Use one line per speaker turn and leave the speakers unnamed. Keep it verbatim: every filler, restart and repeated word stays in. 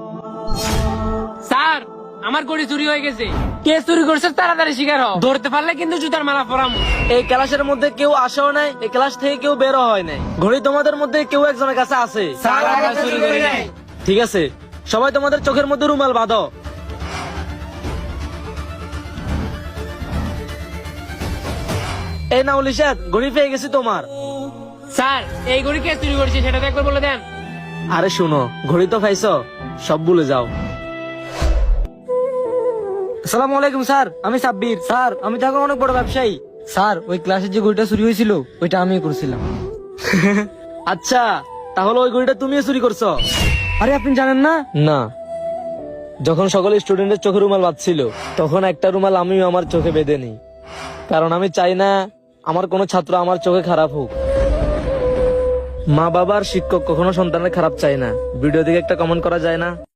Sir আমার ঘড়ি চুরি হয়ে গেছে। কে চুরি করছে তাড়াতাড়ি শিকার হও, ধরতে পারলে কিন্তু জুতার মালা পরাম।
এই ক্লাসের মধ্যে কেউ আসেও নাই, এই ক্লাস থেকে কেউ বেরো হয় নাই। ঘড়ি তোমাদের মধ্যে কেউ একজনের কাছে আছে।
স্যার আমরা চুরি করি নাই।
ঠিক আছে, সবাই তোমাদের চোখের মধ্যে রুমাল বাঁধো। এই নাও লিশাদ, ঘড়ি পেয়ে গেছি তোমার।
স্যার এই ঘড়ি কে চুরি করেছে সেটা তো একবার বলে দেন।
আরে শুনো, ঘড়ি তো পাইছো, সব ভুলে যাও। আসসালামু আলাইকুম স্যার, আমি সাব্বির। স্যার আমি তো এখন অনেক বড় ব্যবসায়ী।
স্যার ওই ক্লাসের যে ঘড়িটা চুরি হয়েছিল ওইটা আমি করছিলাম।
আচ্ছা, তাহলে ওই ঘড়িটা তুমিও চুরি করছো?
আরে আপনি জানেন না?
না, যখন সকল স্টুডেন্টের চোখে রুমাল বাঁধছিল তখন একটা রুমাল আমিও আমার চোখে বেঁধে নিই, কারণ আমি চাই না আমার কোনো ছাত্র আমার চোখে খারাপ হোক। মা বাবার শিক্ষক কখনো সন্তানের খারাপ চায় না। ভিডিও দিকে একটা কমেন্ট করা যায় না?